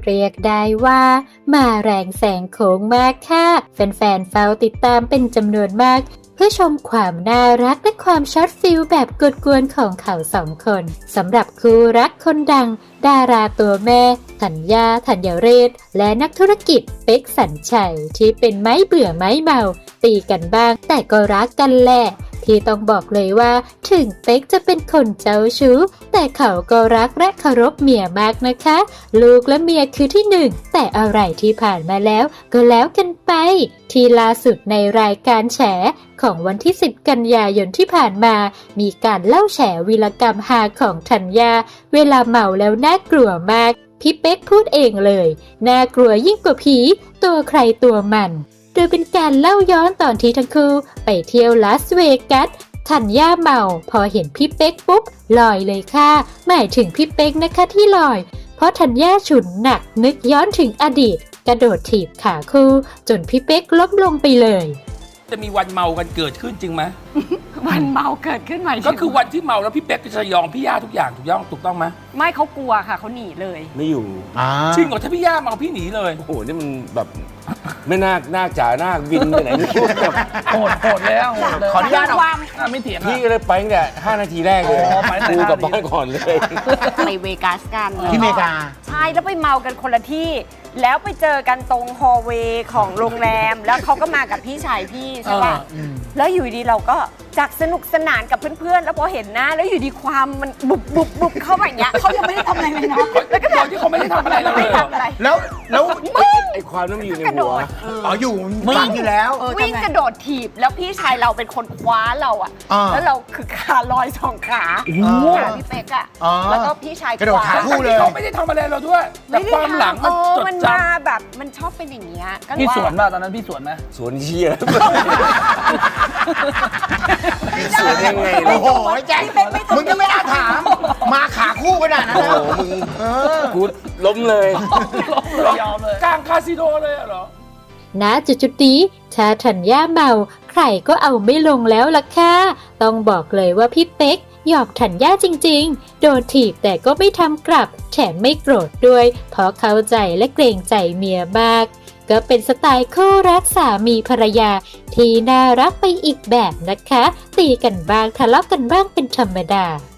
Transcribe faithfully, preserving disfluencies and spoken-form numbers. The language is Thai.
เรียกได้ว่ามาแรงแซงโค้งมากค่ะแฟนๆเฝ้าติดตามเป็นจำนวนมากเพื่อชมความน่ารักและความช็อตฟิลแบบกวนๆของเขาสองคนสำหรับคู่รักคนดังดาราตัวแม่ธัญญาธัญเรศและนักธุรกิจเป๊กสัญชัยที่เป็นไม้เบื่อไม้เมาตีกันบ้างแต่ก็รักกันแหละที่ต้องบอกเลยว่าถึงเป๊กจะเป็นคนเจ้าชู้แต่เขาก็รักและเคารพเมียมากนะคะลูกและเมียคือที่หนึ่งแต่อะไรที่ผ่านมาแล้วก็แล้วกันไปที่ล่าสุดในรายการแฉของวันที่สิบกันยายนที่ผ่านมามีการเล่าแฉวีรกรรมฮาของธัญญาเวลาเมาแล้วน่ากลัวมากพี่เป๊กพูดเองเลยน่ากลัวยิ่งกว่าผีตัวใครตัวมันโดยเป็นการเล่าย้อนตอนที่ทั้งคู่ไปเที่ยวลาสเวกัสธัญญาเมาพอเห็นพี่เป๊กปุ๊บลอยเลยค่ะหมายถึงพี่เป๊กนะคะที่ลอยเพราะธัญญาฉุนหนักนึกย้อนถึงอดีตกระโดดถีบขาคู่จนพี่เป๊กล้มลงไปเลยจะมีวันเมากันเกิดขึ้นจริงไหมวันเมาเกิดขึ้นใหม่ก็คือวันที่เมาแล้วพี่เป๊กจะยอมพี่ย่าทุกอย่างถูกต้องถูกต้องไหมไม่เขากลัวค่ะเขาหนีเลยไม่อยู่จริงเหรอถ้าพี่ย่าเมาพี่หนีเลยโอ้โหนี่มันแบบไม่น่าน่าจ๋าน่าบินไปไหนไม่รู้แบบโหดโหดแล้วขออนุญาตความไม่เถียงพี่ก็เลยไปตั้งแต่ห้านาทีแรกเลยกูกลับบ้านก่อนเลยไปเวกัสกันที่อเมริกาใช่แล้วไปเมากันคนละที่แล้วไปเจอกันตรงฮอลล์เวย์ของโรงแรมแล้วเขาก็มากับพี่ชายพี่ใช่ป่ะแล้วอยู่ดีเราก็จากสนุกสนานกับเพื่อนๆแล้วพอเห็นหน้าแล้วอยู่ดีความมันบุบบุบบุบเข้าไปอย่างเงี้ยเขายังไม่ได้ทำอะไรเลยนะแล้วก็ตอนที่เขาไม่ได้ทำอะไรเลยแล้วแล้วไอ้ความนั้นมันอยู่ในหัวอ๋ออยู่วิ่งอยู่แล้ววิ่งกระโดดถีบแล้วพี่ชายเราเป็นคนคว้าเราอ่ะแล้วเราคือขาลอยสองขาขาพี่เป๊กอ่ะแล้วก็พี่ชายกระโดดขาคู่เลยเขาไม่ได้ทำอะไรเราด้วยแต่ความหลังมันจดจำแบบมันชอบเป็นอย่างเงี้ยพี่สวนป่ะตอนนั้นพี่สวนไหมสวนเชี่ยสวนยังไงโอ้โหแจ็คมึงก็ไม่น่าถามมาขาคู่ขนาดนั้นแล้วมึงกูล้มเลยยอมเลยกลางคาสิโนเลยเหรอณจุดๆนี้ถ้าธัญญาเมาใครก็เอาไม่ลงแล้วล่ะค่ะต้องบอกเลยว่าพี่เป๊กหยอกธัญญาจริงๆโดนถีบแต่ก็ไม่ทำกลับแถมไม่โกรธด้วยเพราะเข้าใจและเกรงใจเมียมากก็เป็นสไตล์คู่รักสามีภรรยาที่น่ารักไปอีกแบบนะคะตีกันบ้างทะเลาะกันบ้างเป็นธรรมดา